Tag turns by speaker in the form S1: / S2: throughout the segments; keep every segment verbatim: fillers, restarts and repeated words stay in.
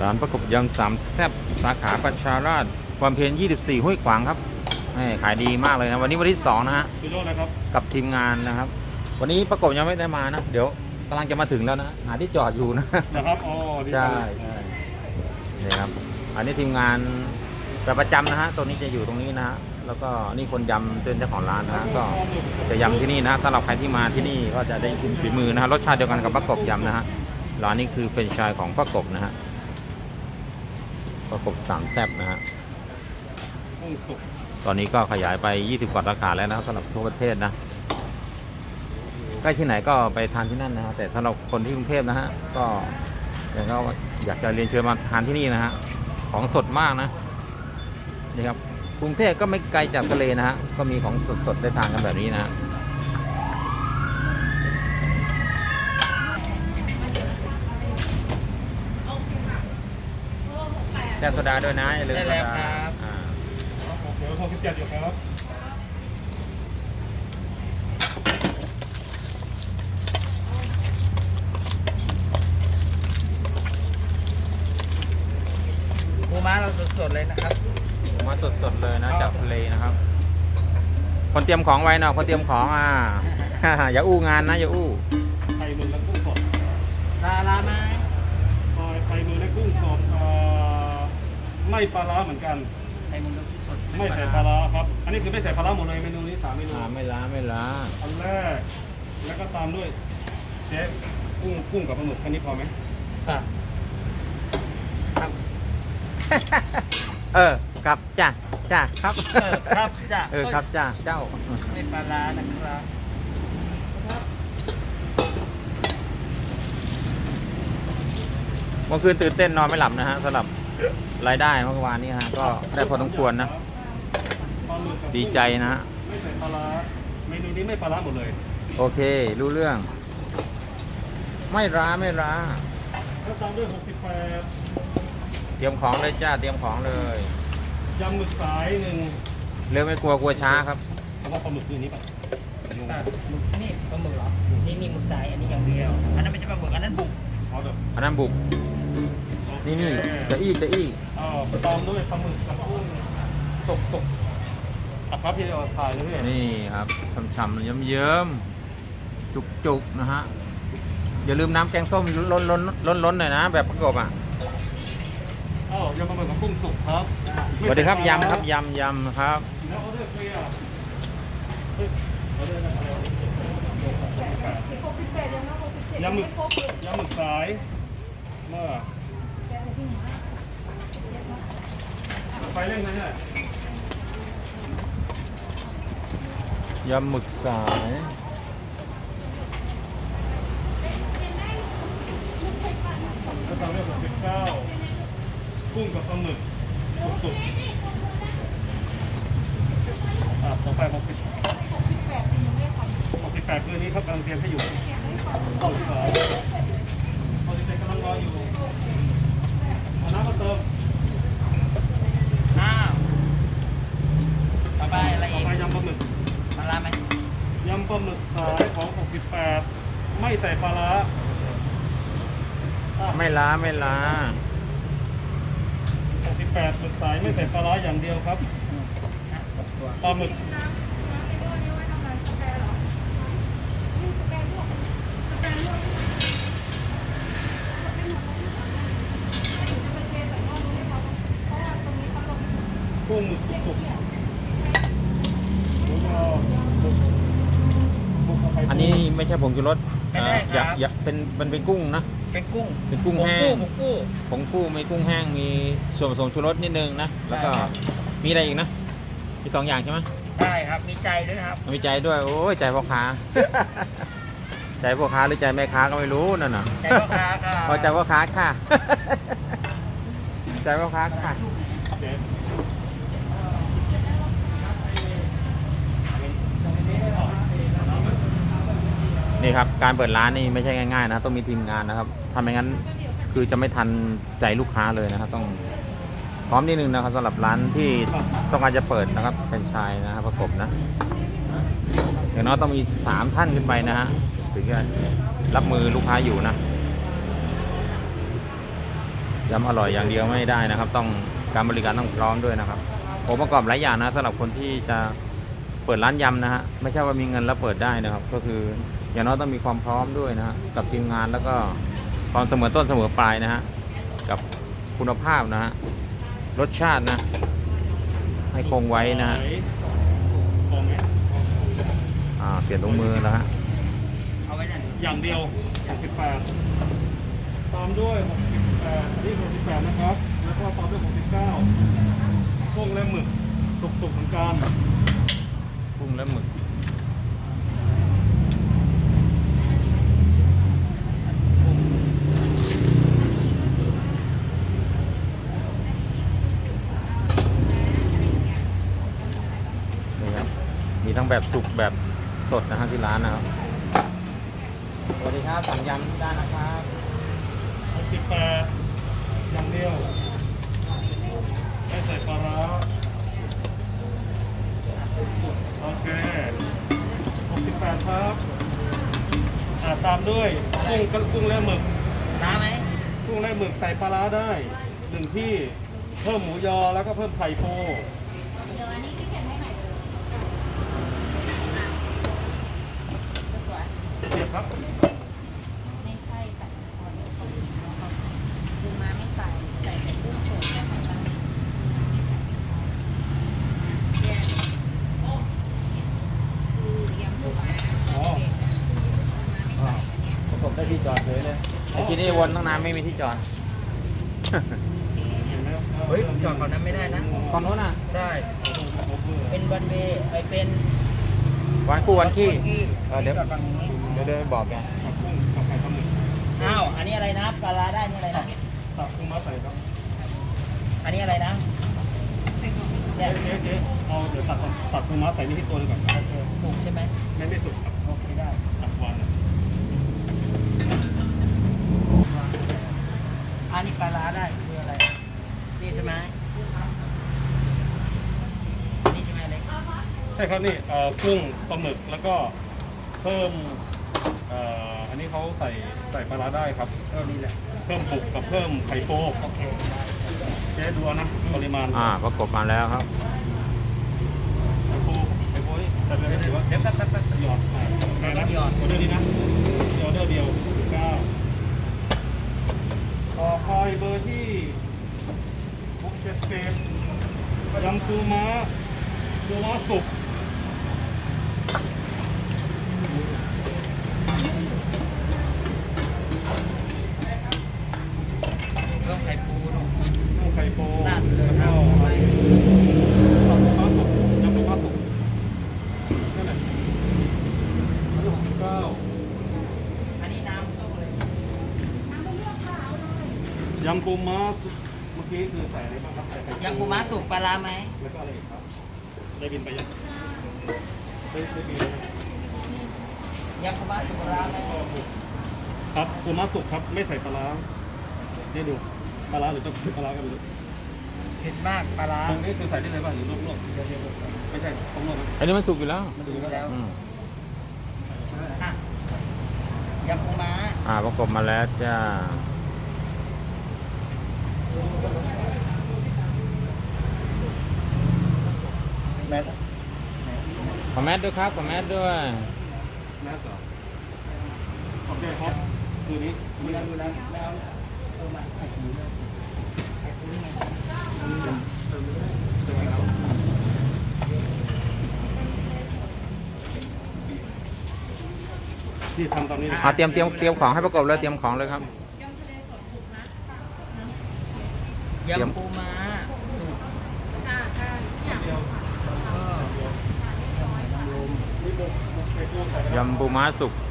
S1: ร้านประกบยำสามแซ่บสาขาประชาราษฎร์ความเพียรยี่สิบสี่ห้วยขวางครับขายดีมากเลยนะวันนี้วันที่สองนะฮะกับทีมงานนะครับวันนี้ประกบยังไม่ได้มานะเดี๋ยวกำลังจะมาถึงแล้วนะหาที่จอดอยู่นะ
S2: นะครับอ๋อ
S1: ใช่ใช่นี่ครับอันนี้ทีมงานประจำนะฮะตัวนี้จะอยู่ตรงนี้นะฮะแล้วก็นี่คนยำเป็นเจ้าของร้านนะก็จะยำที่นี่นะสำหรับใครที่มาที่นี่ก็จะได้กินฝีมือนะฮะรสชาติเดียวกันกับประกบยำนะฮะร้านนี้คือเป็นชายของประกบนะฮะประกบสามแซ่บนะฮะตอนนี้ก็ขยายไปยี่สิบกว่าสาขาแล้วนะสำหรับทั่วประเทศนะใกล้ที่ไหนก็ไปทานที่นั่นนะฮะแต่สำหรับคนที่กรุงเทพนะฮะก็อย่างก็อยากจะเรียนเชิญมาทานที่นี่นะฮะของสดมากนะนี่ครับกรุงเทพก็ไม่ไกลจากทะเลนะฮะก็มีของสดๆได้ทานกันแบบนี้นะฮะแก้วโซดาด้วยนะอย่าลืมโซดา
S2: เดี๋ยวหกสิบเจ็ดอยู่ครับ
S3: ปูม้าเราสดๆเลยนะครับ
S1: ปูม้าสดๆเลยนะจากทะเลนะครับคนเตรียมของไว้นะคนเตรียมของอ่ะ อย่าอู้งานนะอย่าอู้
S2: ไข่มือและกุ้งสด
S3: ปลาร้าไหม
S2: ไข่มือและกุ้งสดไม่ปลาร้าเหมือนกัน
S3: ไข่มือและกุ้งสด
S2: ไม่ใส่ปลาร้าครับอันนี้คือไม่ใส่ปลาร้าหมดเลยเมนูนี้สามเมนู
S1: ไม่ล้าไม่ล้า
S2: อันแรกแล้วก็ตามด้วยเชฟกุ้งกุ้งกับปลาหมึกแค่นี้พอไหม
S3: ครับ
S1: เออครับจ้าจ้าครับ
S3: เออครับจ้า
S1: เออครับจ้าเจ้า
S3: ไม่ปลาร้านะครับ
S1: เมื่อคืนตื่นเต้นนอนไม่หลับนะฮะสำหรับรายได้เมื่อวานนี้ฮะก็ได้พอสมควรนะดีใจนะฮะ
S2: ไม่ใส่ปลาร้าเมนูนี้ไม่ปลาร้าหมดเลย
S1: โอเครู้เรื่องไม่ร้าไม่ร้า
S2: แล้วตามด้วยหกสิบแปด
S1: เตรียมของเลยจ้าเตรียมของเลย
S2: ยำหมึกสายหนึ่ง
S1: เร็วไม่กลัวกลัวช้าครับ
S2: เพราะว่าปลาหมึกคือนี้ป่ะ
S3: นี่ปลาหมึกเหรอนี่นี่หมึกสายอันนี้อย่างเดียวอันนั้นไม่ใช่ปลาหมึกอันนั้นบุก
S1: อันนั้นบุกนี่นี่จะอี้จะอี้
S2: อ๋อตามด้วยปลาหมึกกับกุ้งตกตกอ่ะครับที่เราถ่ายเลยพี่
S1: นี่ครับช่ำๆเยิ้มๆจุกๆนะฮะอย่าลืมน้ำแกงส้มล้นล้นล้นล้นหน่อยนะแบบประกบอ่ะ
S2: อ๋อยำปลาหมึกกับกุ้งสุกครับ
S1: สวัสดีครับยำครับยำยำครับ
S2: แล้วออเดอร์เคลียร์ยำหมึกยำหมึกสายเมื่อไฟเร่งนะเนี่ย
S1: ยำหมึกสาย
S2: ก็ตามด้วยหกสิบเก้ากุ้งกับปลาหมึกสุกๆอ่ะต่อไปหกสิบหกสิบแปดยังไม่ทำหกสิบแปดคือนี้เขากำลังเตรียมให้อยู่หกสิบสองหกสิบเจ็ดกำลังรออยู่เอาน้ำมาเติม
S3: อ้าวต่อไปอะไรอีก
S2: ต่อไปยำปลาหมึก
S3: ปลาร้าไหม
S2: ยำปลาหมึกสายของหกสิบแปดไม่ใส่ปลาร้า
S1: ไม่ล้าไม่ล้า
S2: หกสิบแปดหมึกสายไม่ใส่ปลาร้าอย่างเดียวครับปลาหมึกกุ้งหมึกสุก
S1: อันนี้ไม่ใช่ผงชูรสอยากอยากเป็นมันเป็นกุ้งนะ
S3: เป็นกุ้ง
S1: เป็นกุ้งแห้งผงกุ้งมีกุ้งแห้งมีส่วนผสมชูรสนิดนึงนะแล้วก็มีอะไรอีกนะมีสองอย่างใช่ไหม
S3: ใช่ครับมีใจด้วยครับ
S1: มีใจด้วยโอ้ยใจพ่อค้าใจพ่อค้าหรือใจแม่ค้าก็ไม่รู้นั่นน่ะ
S3: ใจพ่อค้าค่ะ
S1: พอใจพ่อค้าค่ะใจพ่อค้าค่ะนี่ครับการเปิดร้านนี่ไม่ใช่ง่ายๆนะต้องมีทีมงานนะครับทำไม่งั้นคือจะไม่ทันใจลูกค้าเลยนะครับต้องพร้อมนิดนึงนะครับสำหรับร้านที่ต้องการจะเปิดนะครับแฟรนไชส์นะครับประกบนะอย่างน้อยต้องมีสามท่านขึ้นไปนะฮะถึงจะรับมือลูกค้าอยู่นะยำอร่อยอย่างเดียวไม่ได้นะครับ ต้องการบริการต้องพร้อมด้วยนะครับองค์ประกอบหลายอย่างนะสำหรับคนที่จะเปิดร้านยำนะฮะไม่ใช่ว่ามีเงินแล้วเปิดได้นะครับ ก็คืออย่างน้อยต้องมีความพร้อมด้วยนะฮะกับทีมงานแล้วก็ความเสมอต้นเสมอปลายนะฮะกับคุณภาพนะฮะรสชาตินะให้คงไว้นะฮะ
S2: พอไหม
S1: อ่าเปลี่ยนถุงมือแล้วฮะ
S3: เอาไว้นั่น
S2: อย่างเดียวหกสิบแปดตามด้วยหกสิบแปดอันนี้หกสิบแปดนะครับแล้วก็ตามด้วยหกสิบเก้ากุ้งและหมึกสุกๆเหมือนกัน
S1: กุ้งและหมึกนี่ครับมีทั้งแบบสุกแบบสดนะฮะที่ร้านนะครับสวัสดีครับสั่งยำได้นะครับ
S2: หกสิบแปดอย่างเดียวไม่ใส่ปลาร้าโอเคหกสิบแปดครับอ่าตามด้วยกุ้งกับกุ้งและหมึก
S3: น้ำไหม
S2: กุ้งและหมึกใส่ปลาร้าได้หนึ่งที่เพิ่มหมูยอแล้วก็เพิ่มไข่ปูเสียบครับ
S4: ไม่ใช่ใส่พอเดี๋ยวเขาดูมาไม่ใส่ใส่แต่กุ้งสดและไข่ปลาแยกคือยำปูม้า
S2: อ๋อ
S4: ไม่ใส่อันเนี้ย
S1: ประกบได้ที่จอดเลยเลยไอ้ที่นี่วนตั้งนานไม่มีที่จอด
S2: เห็นไหมครับ
S3: เฮ้ยจอดก่อนนั้นไม่ได้นะ
S1: ตอนโน้นอ่ะ
S3: ได้ เป็นวันเวย์ไอเป็น
S1: วันคู่วันขี้
S3: ขี้
S1: เออเดี๋ยว
S3: จอดฝั่งนี้
S1: เดี๋ยวเดี๋ยวบอกแก
S2: กับกุ้งกับไข่ปลาหมึก
S3: อ้าว อันนี้อะไรนะปลาร้าได้นี่อะไรนะ
S2: ตักกุ้งมาใส่ครับ
S3: อันนี้อะไรนะ
S2: เจ๊เจ๊เจ๊เอาเดี๋ยวตัดก่อนตัดกุ้งมาใส่นี่ที่ตัวหนึงก่อน
S3: โอเคถูกใช่ไหม
S2: ไม่ไม่สุกครับ
S3: โอเคได้
S2: ตัดวัน
S3: อันนี้ปลาร้าได้คืออะไร นี่ใช่ไหมนี่ใช่ไหมเล็ก
S2: ใช่ครับนี่เอ่อกุ้งปลาหมึกแล้วก็เพิ่มเอ่ออันนี้เขาใส่ใส่ปลาร้าได้ครับ
S3: เออนี่แหละ
S2: เพิ่มบุกกับเพิ่มไข่โป๊ก
S3: โอเค
S2: เจ๊ดูเอานะปริมาณ
S1: อ่าประกบมาแล้วครับ
S2: ไข่โป๊กไข่โป๊กนี่แต่เลยถือว่า
S3: เดี๋ยวแป๊บแป๊บแป๊บ
S2: หยอดใส่โอเคนะ
S3: หยอด
S2: ออเดอร์นี้นะออเดอร์เดียวเก้าต่อคอยเบอร์ที่หกเจ็ดสิบยำปูม้าปูม้าสุก
S3: เพิ่มไข่ปูลง
S2: น้ำไข่โป๊
S3: ราดเลย
S2: แล้วก็
S3: ราดไป
S2: ยำปูม้าสุกยำปูม้าสุกนั่นแหละอันนี้หกสิบเก้า
S3: อันนี้น้ำต้มเลย
S2: ยำปูม้าสุกเมื่อกี้คือใส่อะไรบ้างครับใส่ไข่
S3: ยำปูม้าสุกปลาร้าไหม
S2: แล้วก็อะไรอีกครับ ได้บินไปยังได้ได้บินแล้วนะ
S3: ยำปูม้าสุกปลาร้าไหม
S2: ครับปูม้าสุกครับไม่ใส่ปลาร้าได้ดูปลาร้าหรือจะปลาร้ากันหรือ
S3: เผ็ดมากปลาร้า
S2: ตรงนี้คือใส่ได้เลยป่ะหรือลวกๆไม่ใช่ต้องลวกนะ
S1: อันนี้มันสุกอยู่แล้ว
S2: มันดูแล้ว
S3: แล้ว
S1: อืม
S3: อ่ะยำปูม้า
S1: อ่าประกบมาแล้วจ้า
S3: แม่
S1: ขอแมสด้วยครับขอแมสด้วย
S2: แม่สาวโอเคครับคืนนี้
S3: ดูแลดูแลแล้วเออมาไข่ปูเลยไข่ปูนี่ไง
S2: ที่ทำตอนนี้นะ
S1: อ่าเตรียมเตรียมเตรียมของให้ประกบเลยเตรียมของเลยครับ
S3: ยำปูม้าสุก
S4: ค่ะค่ะเนี่ย
S2: เดียว นี่บุกบุกไข่ปูใส่
S1: ยำปูม้าสุก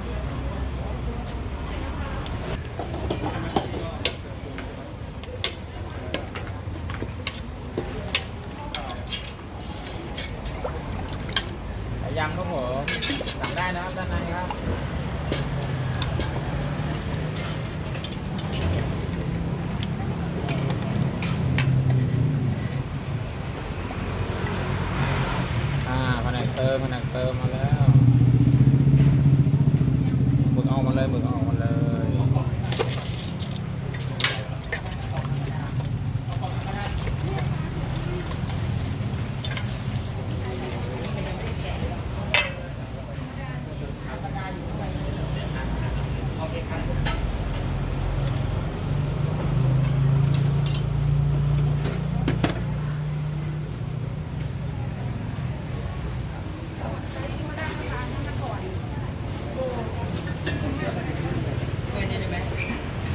S1: ยำครับผมสั่งได้นะครับด้านในครับอ่าแผนกเติมแผนกเติมมาแล้วหมึกเอามาเลยหมึกเอามาเลย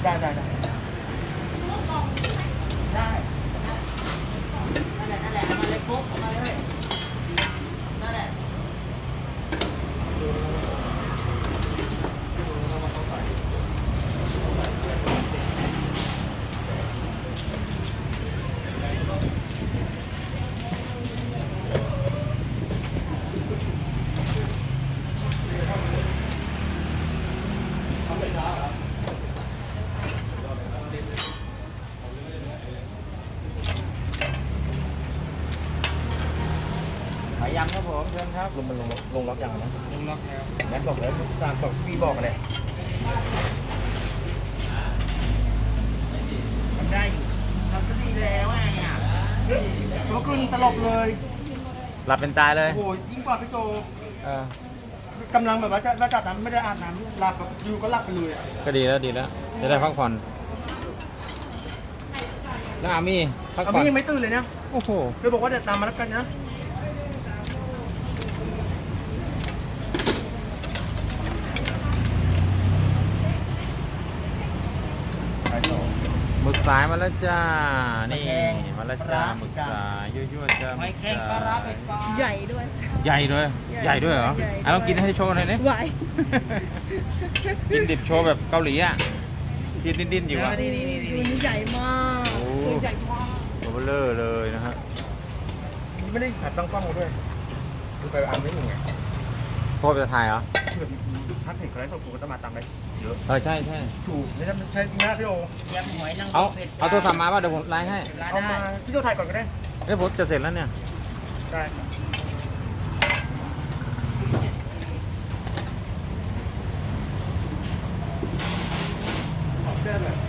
S3: ได้ได้ได้ได้นั่นแหละนั่นแหละเอามาเลยปุ๊บเอามาเลยนั่นแหละ
S1: หอยยำครับผมเชิญครับ
S3: ลงมันลงลงล็อกอย่างนะ
S1: ลุงล็อกแล้ว
S3: งั้นบอกแล้วตามบอกพี่บอกอะไรมันได้อยู่ทำก็ดีแล้วไงอ่ะเมื่อคืนตลบเลย
S1: หลับเป็นตายเลย
S3: โอ้โหยิ่งกว่าพี่โจ
S1: เออก
S3: ำลังแบบว่าจะว่าจัดน้ำไม่ได้อาบน้ำหลับแบบอยู่ก็หลับไปเลยอ่ะ
S1: ก็ดีแล้วดีแล้ว จะได้พักผ่อนแล้วอามี่พัก
S3: เอา
S1: ผ่อน
S3: พี่ยังไม่ตื่นเลยเนี่ย
S1: โอ้โห
S3: เลยบอกว่าเดี๋ยวตามมาแล้วกันนะไปต่อ
S1: หมึกสายมาแล้วจ้า นี่
S3: ห
S1: มา
S3: มึ
S1: แล้ว
S3: กแห้
S1: จ้าง หมึกสายยั่วๆจ้า
S3: หอยแครงปลาร้าเป็ดปลา
S4: ใหญ่ด้วย
S1: ใหญ่ด้วย ใหญ่ด้วยเหรอ
S4: ใหญ่ด้วย
S1: อ่ะลองกินให้โชว์หน่อยนี่
S4: ไหว
S1: กินดิบโชว์แบบเกาหลีอ่ะกินดิ้นๆอยู่อ่ะ
S3: นี่นี่นี่
S4: ตัวนี้ใหญ่มาก
S1: โอ้
S4: ตัวใหญ่มาก
S1: ตัวเบลอเลยนะฮะ
S3: นี่ไม่ได้ขัดตั้งกล้องมาด้วยดูไปอ่านไม่ถูกไง
S1: โคตรจะถ่ายเหรอ
S3: เพื่อนพักเห็นเขาไลฟ์สดกูก็จะมาตามได้เยอะ
S1: เออใช่ใช่
S3: ถูกไม่ใช่ใช่จริงนะพี่โอย
S5: ำหอยนางร
S1: เอา
S5: มเผ็ด
S1: เอาโทรศัพท์มาป่ะเดี๋ยวผมไลน์ให้
S5: ร้าน
S3: เอา
S5: ได้
S3: มาพี่โจถ่ายก่อนก็ได้
S1: เดี๋ยวผมจะเสร็จแล้วเนี่ย
S3: ได้ครับขอบเสื้อหน่อย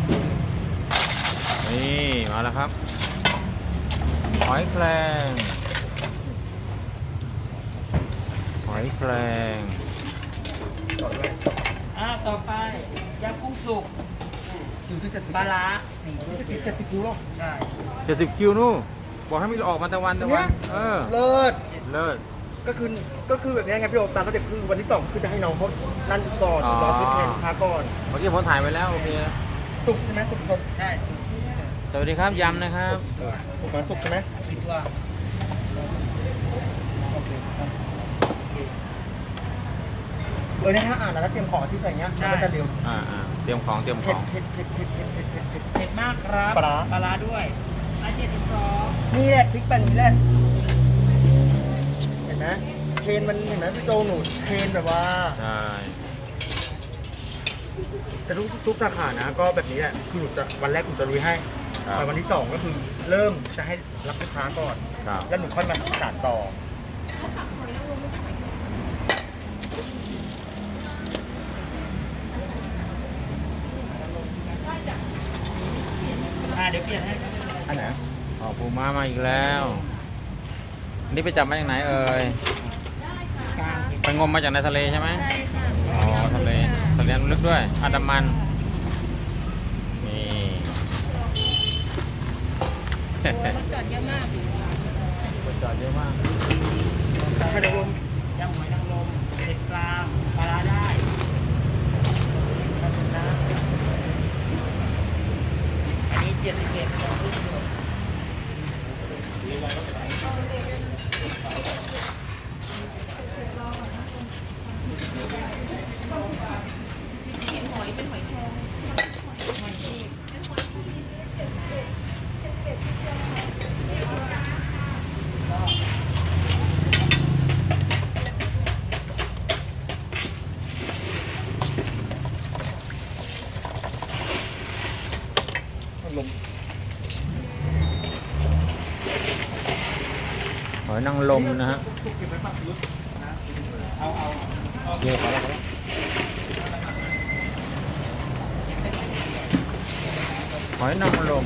S1: นี่มาแล้วครับหอยแครงหอยแครง
S3: ต่อด้วย
S5: อ่าต่อไปยำกุ้งสุก
S3: คิวที่เจ็ดสิบ
S5: ปลาร้า
S3: เจ็ดสิบเจ็ดสิบคิวหรอ
S5: ได้
S1: เจ็ดสิบคิวนู่นบอกให้มีออกมาแต่วันแต่วันเออ
S3: เลิศ
S1: เลิศ
S3: ก็คือก็คือแบบนี้ไงพี่โอตามสเต็ปคือวันที่สองคือจะให้น้องเขานั่นก่อน
S1: อ๋อ
S3: รอขึ้นแทนพาก่อน
S1: เมื่อกี้ผมถ่ายไปแล้วโอเคแล้ว
S3: สุกใช่ไหมสุกสด
S5: ได้สุก
S1: สวัสดีครับยำนะครับ
S3: สุกมาสุกใช่ไหม
S5: ปิดตัว
S3: โอเคครับเออเนี่ยถ้าอ่านแล้วเตรียมของที่ใส่เงี้ยมันก็จะเร็ว
S1: อ่าอ่าเตรียมของเตรียมข
S3: เผ็ด
S1: อง
S3: เผ็ดเผ็ดเผ็ดเผ็ดเผ็ดเผ็ดเผ็ด
S5: เผ็ดมากครับ
S3: ปลาร้า
S5: ปลาร้าด้วยร้านเจ็ดสิบสอง
S3: นี่แหละพริกแป้นนี่แหละเห็นไหมเทรนมันเห็นไหมพี่โจหนูเทรนแบบว่า
S1: ใช่
S3: แต่ทุกทุกสาขานะก็แบบนี้แหละคือหนูจะวันแรกหนูจะลุยให้
S1: ครับ
S3: แต่วันที่สองก็คือเริ่มจะให้รับลูกค้าก่อน
S1: ครับ
S3: แล้วหนูค่อยมาสานต่อ
S5: อ่าเดี๋ยวเปลี่ยนให้ครับ
S3: อันไหน
S1: ออกปูม้ามาอีกแล้วอันนี่ไปจับมาจากไหนเอ่ย
S5: กลาง
S1: ไปงมมาจากในทะเลใช่ไหม
S4: ใช่ค่ะ
S1: อ๋อทะเลทะเลลึกด้วยอันดามันนี่
S4: รถจอดเยอะมาก
S1: คนจอดเยอะมาก
S3: ให้ดู
S5: ยำหอยนางรมเผ็ดกลางปลาร้าได้อันนี้เจ็ดสิบเอ็ด
S3: ลม
S1: หอยนางรมนะฮะ
S3: ถูกเก็บไว้ปักรถนะ
S5: เอาเอาเอา
S1: เยอะพอแล้วพอแล้วหอยนางรม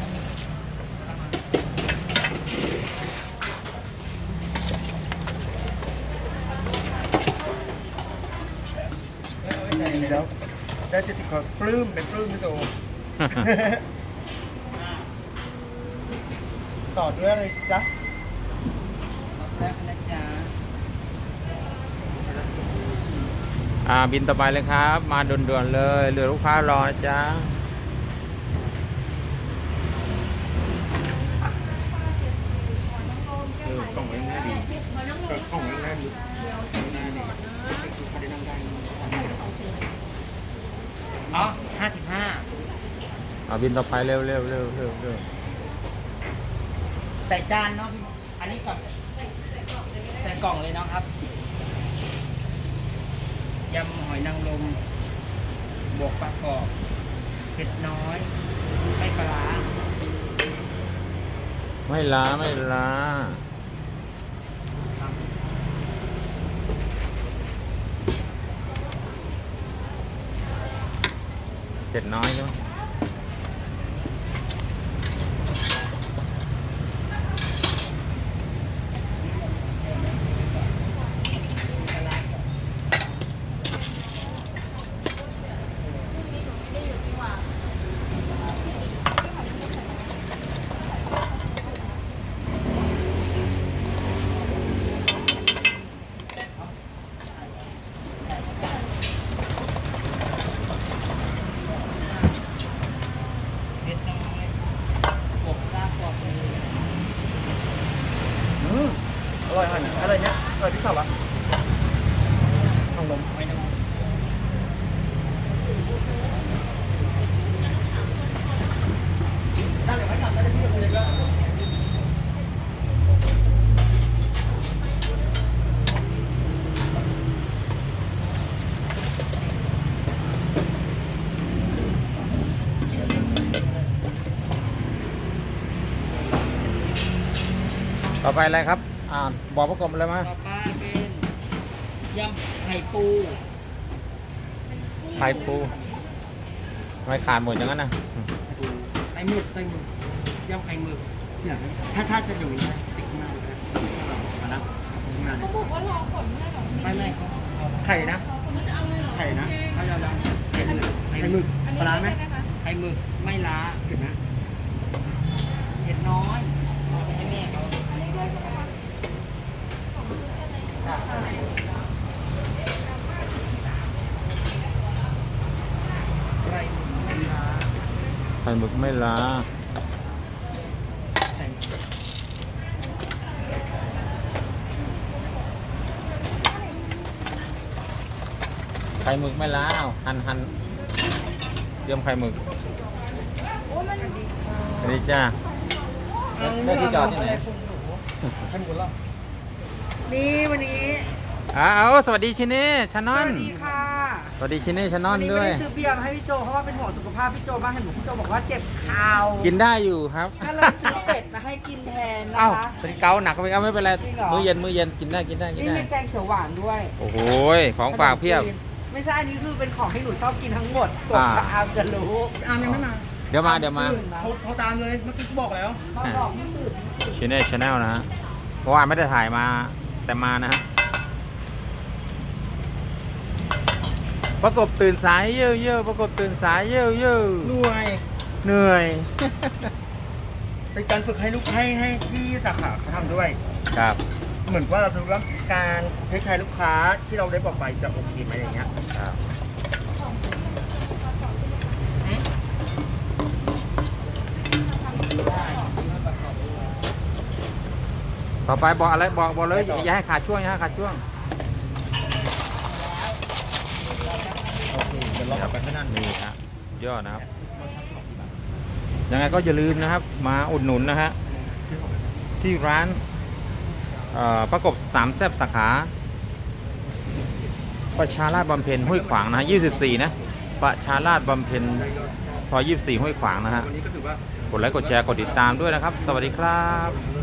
S3: ดีแล้วได้เจ็ดสิบคนปลื้มเป็นปลื้มพี่โจ ต่อด้วยอะไรจ๊ะ
S5: แป๊บนะจ๊ะ
S1: ออ่าบินต่อไปเลยครับ มาด่วนๆเลยเหลือลูกค้ารอนะจ๊ะเออกล่องไว้ง่ายดีกล่องไว้ง่ายดีง่ายดีคือเขาได้นั่งได้
S3: อ๋อห้าสิบห้า
S1: อ่าบินต่อไปเร็วเร็วเร็วเร็วเร็ว
S3: ใส่จานเนาะพี่อันนี้กับใส่กล่องเลยเนาะครับยำหอยนางรมบวกปลากรอบเผ็ดน้อยไม่ปลาร้า
S1: ไม่ล้าไม่ล้า
S3: ครับ
S1: เจ็ดน้อยใช่ไหม
S3: เผ็ดน้อยบวกปลากรอบเลย
S5: อืมอร่อยหันอะไรเนี้ยอร่อยที่สุดละทางลม
S3: หอยนางรม
S5: ได้เลยไหมครับได้เลยพี่เลยก็
S1: ต่อไปอะไรครับ อ่าบอกประกบเลยมั้ย
S3: ต่อไปเป็นยำไข่ปู
S1: ไข่ปูทำไมขาดหมดอย่างนั้นนะ
S3: ไข่หมึกไข่หมึกยำไข่หมึก
S5: เนี่ยถ้าถ้าจะอยู่นะติ๊กมากเลยนะนะงาน
S4: เขาบอกว่ารอผลไม่หรอ
S3: ไม่ไม่เขา
S5: ไข่นะ
S4: เขาไม่จะเอาเลยเหรอ
S5: ไข่นะ
S3: เขาจะยังไข่หมึก
S5: ไข่หมึก
S4: อันนี้
S5: ปลาร้าไหม
S4: ใช่คะ
S3: ไข่หมึกไม่ล้า
S5: เห็นไหม
S3: เผ็ดน้อยเอาไปให้แม่เขา
S4: อันนี้ด้วยใช่ไหมคะ
S3: ไข่หมึกไม่ล้า
S1: ไข่หมึกไม่ล้า
S3: ใส่
S1: ไข่หมึกไม่ล้าเอาหั่นหั่นเตรียมไข่หมึก
S4: โอ้มัน
S1: สวัสดีจ้าได้ที่จอดที่ไหน
S5: ให้หมดแล้ว
S6: นี่วันนี้
S1: อ้าวสวัสดีชิเน่ชาน
S6: ส
S1: อน
S6: วัสดีค่ะ
S1: สวัสดีชิเน่ชานอ
S6: วัน นนี้
S1: ด้
S6: ไม่
S1: วย
S6: ได้ซื้อเบียร์มาให้พี่โจเพราะว่าเป็นห่วงสุขภาพพี่โจมากเห็นหนูพี่โจบอกว่าเจ็บเข่า
S1: กินได้อยู่ครับ
S6: ก็เลยซื้อเป็ดมาให้กินแทนนะ
S1: เอ้า
S6: คะ
S1: เป็นเกาหนักก็ไปเอาไม่เป็นไร
S6: จริงเหรอ
S1: มื้อเย็นมื้อเย็นกินได้กินได้กิน
S6: นี่
S1: ได้
S6: มีแกงเขียวหวานด้วย
S1: โอ้โหของฝากเพียบ
S6: ไม่ใช่อันนี้คือเป็นของที่หนูชอบกินทั้งหมดกด
S1: อ่า
S6: กับอามจะรู้
S5: อามยังไม่มา
S1: เดี๋ยวมาเดี๋ยวมา
S5: โทรโทรตามเลยเมื่อกี้เขาบอกแล้ว
S6: มาบอกไม่ตื่น
S1: ชิเน่ชาแนลนะฮะเพราะว่าไม่ได้ถ่ายมาแต่มานะฮะประกบตื่นสายเย่อเย่อประกบตื่นสายเย่อเย่อ
S5: หน่วย
S1: เหนื่อย
S5: เป็นการฝึกให้ลูกให้ให้ที่สาขาเขาทำด้วย
S1: ครับ
S5: เหมือนว่าเราดูว่าการเทคแคร์ลูกค้าที่เราได้บอกไปจะโอเคไหมอย่างเงี้ย
S1: ครับต่อไปบอกอะไรบอกบอกเลยอย่าให้ขาดช่วงอย่าให้ขาดช่วง
S5: โอเคเดี๋ยวเรากลับไปข้างหน้า
S1: นี่ฮะยอดนะครับ ยังไงก็อย่าลืมนะครับ มาอุดหนุนนะฮะที่ร้านเอ่อประกบสามแซ่บสาขาประชาราษฎร์บำเพ็ญห้วยขวางนะฮะยี่สิบสี่นะประชาราษฎร์บำเพ็ญซอยยี่สิบสี่ห้วยขวางนะฮะ
S5: วันนี้ก็ถือว่า
S1: กดไลค์กดแชร์กดติดตามด้วยนะครับ สวัสดีครับ